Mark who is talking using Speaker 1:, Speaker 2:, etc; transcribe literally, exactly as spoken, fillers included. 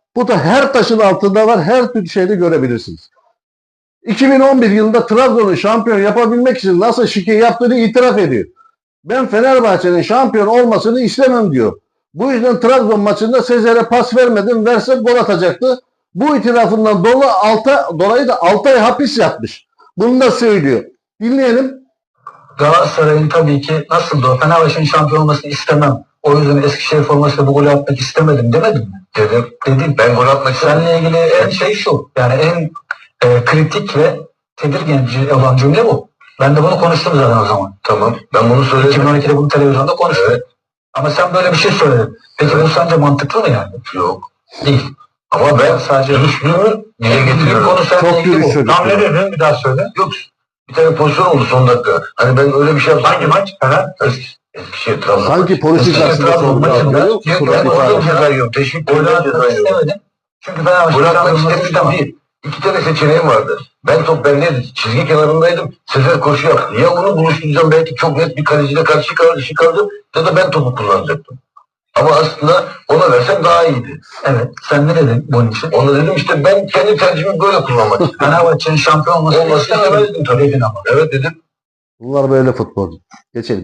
Speaker 1: Bu da her taşın altında var. Her tür şeyde görebilirsiniz. iki bin on bir yılında Trabzon'u şampiyon yapabilmek için nasıl şike yaptığını itiraf ediyor. Ben Fenerbahçe'nin şampiyon olmasını istemem diyor. Bu yüzden Trabzon maçında Sezer'e pas vermedim. Verse gol atacaktı. Bu itirafından dolayı, alta, dolayı da altı ay hapis yatmış. Bunu da söylüyor. Dinleyelim.
Speaker 2: Galatasaray'ın tabii ki nasıl da Fenerbahçe'nin şampiyon olmasını istemem. O yüzden Eskişehir formasıyla bu golü atmak istemedim demedim mi?
Speaker 3: Dedim.
Speaker 2: Dedim.
Speaker 3: Ben gol atmak istedim.
Speaker 2: Seninle ilgili en şey şu. Yani en e, kritik ve tedirgin olan cümle bu. Ben de bunu konuştum zaten o zaman.
Speaker 3: Tamam. Ben bunu söyledim.
Speaker 2: iki bin on ikide bunu televizyonda konuştum.
Speaker 3: Evet.
Speaker 2: Ama sen böyle bir şey söyledin. Peki
Speaker 3: Evet.
Speaker 2: bu sence mantıklı mı yani?
Speaker 3: Yok.
Speaker 2: Değil.
Speaker 3: Ama ben
Speaker 2: Sadece
Speaker 3: dürüstlüğümü dile getiriyorum.
Speaker 2: konu seninle
Speaker 1: Çok
Speaker 2: ilgili
Speaker 1: dürüst
Speaker 2: bu.
Speaker 1: çocuk.
Speaker 2: Tam ne dedin? Bir daha söyle.
Speaker 3: Yok. Bir tane pozisyon oldu son dakika. Hani ben öyle bir şey yaptım.
Speaker 2: Hangi maç? Fener.
Speaker 3: Eskişehir Trabzon.
Speaker 1: Sanki polis
Speaker 2: Eskişehir
Speaker 1: karşısında
Speaker 2: Trabzon
Speaker 1: sordu.
Speaker 2: maçında-
Speaker 1: Görüyor musun?
Speaker 2: Yok,
Speaker 3: Ben
Speaker 1: Surat
Speaker 3: orada
Speaker 1: ifade.
Speaker 3: ceza yiyorum. Teşvik
Speaker 2: Golü
Speaker 3: golü
Speaker 2: atmak
Speaker 3: ceza yiyorum.
Speaker 2: istemedim. Çünkü Fenerbahçe
Speaker 3: Gol atmak
Speaker 2: şampiyon olmasını
Speaker 3: istemiştim
Speaker 2: istemem.
Speaker 3: değil. İki tane seçeneğim vardı. Ben top bendeydi. Çizgi kenarındaydım. Sezer koşu yaptı. Ya onu buluşturacağım belki çok net bir kaleciyle karşı karşı kaldı ya da ben topu kullanacaktım. Ama aslında ona versem daha iyiydi.
Speaker 2: Evet. Sen ne dedin bunun için?
Speaker 3: Ona dedim işte ben kendi tercihimi böyle kullanmak istedim.
Speaker 2: Fenerbahçe'nin şampiyon olmasını
Speaker 3: Olmasını
Speaker 2: istemem
Speaker 3: istemedim tabii.
Speaker 2: dedin ama.
Speaker 3: Evet dedim.
Speaker 1: Bunlar böyle futbolcu. Geçelim.